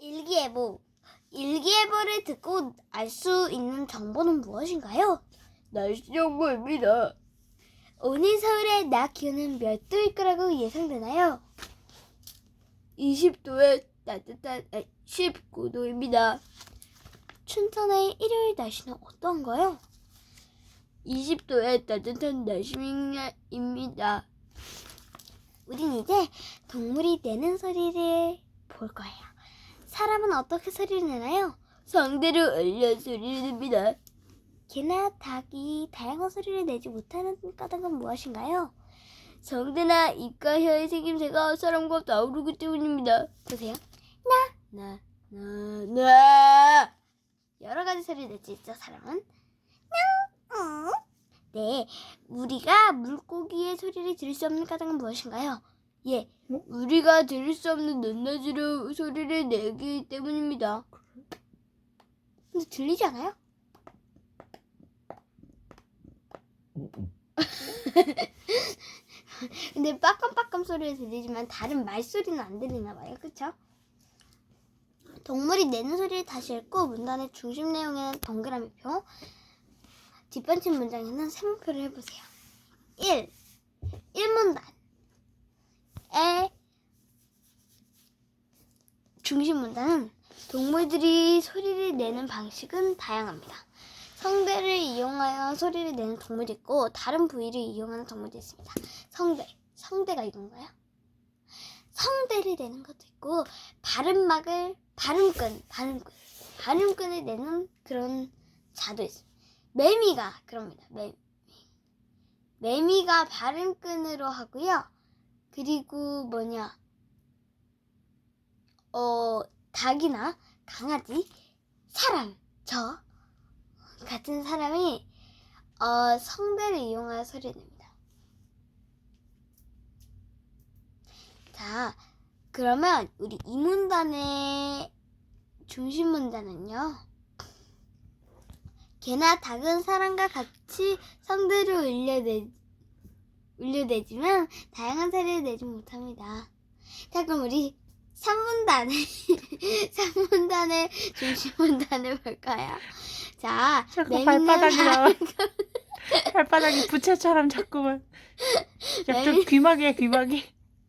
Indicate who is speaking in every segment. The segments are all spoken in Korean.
Speaker 1: 일기예보. 일기예보를 듣고 알 수 있는 정보는 무엇인가요?
Speaker 2: 날씨 정보입니다.
Speaker 1: 오늘 서울의 낮 기온은 몇 도일 거라고 예상되나요?
Speaker 2: 20도에 따뜻한 19도입니다.
Speaker 1: 춘천의 일요일 날씨는 어떤가요?
Speaker 2: 20도에 따뜻한 날씨입니다.
Speaker 1: 우린 이제 동물이 내는 소리를 볼 거예요. 사람은 어떻게 소리를 내나요?
Speaker 2: 상대로 울려 소리를 냅니다.
Speaker 1: 개나 닭이 다양한 소리를 내지 못하는 까닭은 무엇인가요?
Speaker 2: 성대나 입과 혀의 생김새가 사람과 다르기 때문입니다.
Speaker 1: 보세요.
Speaker 2: 나.
Speaker 1: 여러 가지 소리를 낼 수 있죠, 사람은. 네, 우리가 물고기의 소리를 들을 수 없는 까닭은 무엇인가요? 예,
Speaker 2: 우리가 들을 수 없는 높낮이로 소리를 내기 때문입니다.
Speaker 1: 근데 들리지 않아요? 근데 빠깜빠깜 소리를 들리지만 다른 말소리는 안 들리나 봐요. 그쵸? 동물이 내는 소리를 다시 읽고 문단의 중심 내용에는 동그라미표, 뒷받침 문장에는 세모표를 해보세요. 1문단의 중심 문단은 동물들이 소리를 내는 방식은 다양합니다. 성대를 이용하여 소리를 내는 동물이 있고 다른 부위를 이용하는 동물도 있습니다. 성대가 이건가요? 성대를 내는 것도 있고 발음끈을 내는 그런 자도 있습니다. 매미가 그럽니다. 매미가 발음끈으로 하고요. 그리고 닭이나 강아지, 사람, 저 같은 사람이 성대를 이용하여 소리를 냅니다. 자, 그러면 우리 이 문단의 중심 문단은요. 개나 닭은 사람과 같이 성대를 울려내지만 다양한 소리를 내지 못합니다. 자, 그럼 우리 3문단의 중심 문단을 볼까요? 자,
Speaker 3: 자꾸 발바닥이 나와. 발바닥이 부채처럼 자꾸만. 좀 귀마개야, 귀마개.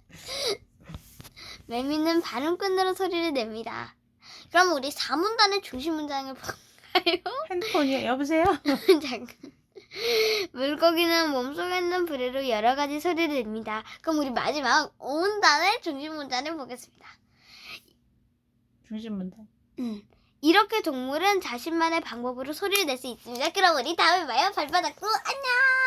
Speaker 1: 매미는 발음끈으로 소리를 냅니다. 그럼 우리 4문단의 중심 문장을 볼까요?
Speaker 3: 핸드폰이요? 여보세요?
Speaker 1: 잠깐. 물고기는 몸속에 있는 부리로 여러 가지 소리를 냅니다. 그럼 우리 마지막 5문단의 중심 문장을 보겠습니다.
Speaker 3: 중심 문단.
Speaker 1: 이렇게 동물은 자신만의 방법으로 소리를 낼 수 있습니다. 그럼 우리 다음에 봐요. 발바닥도 안녕!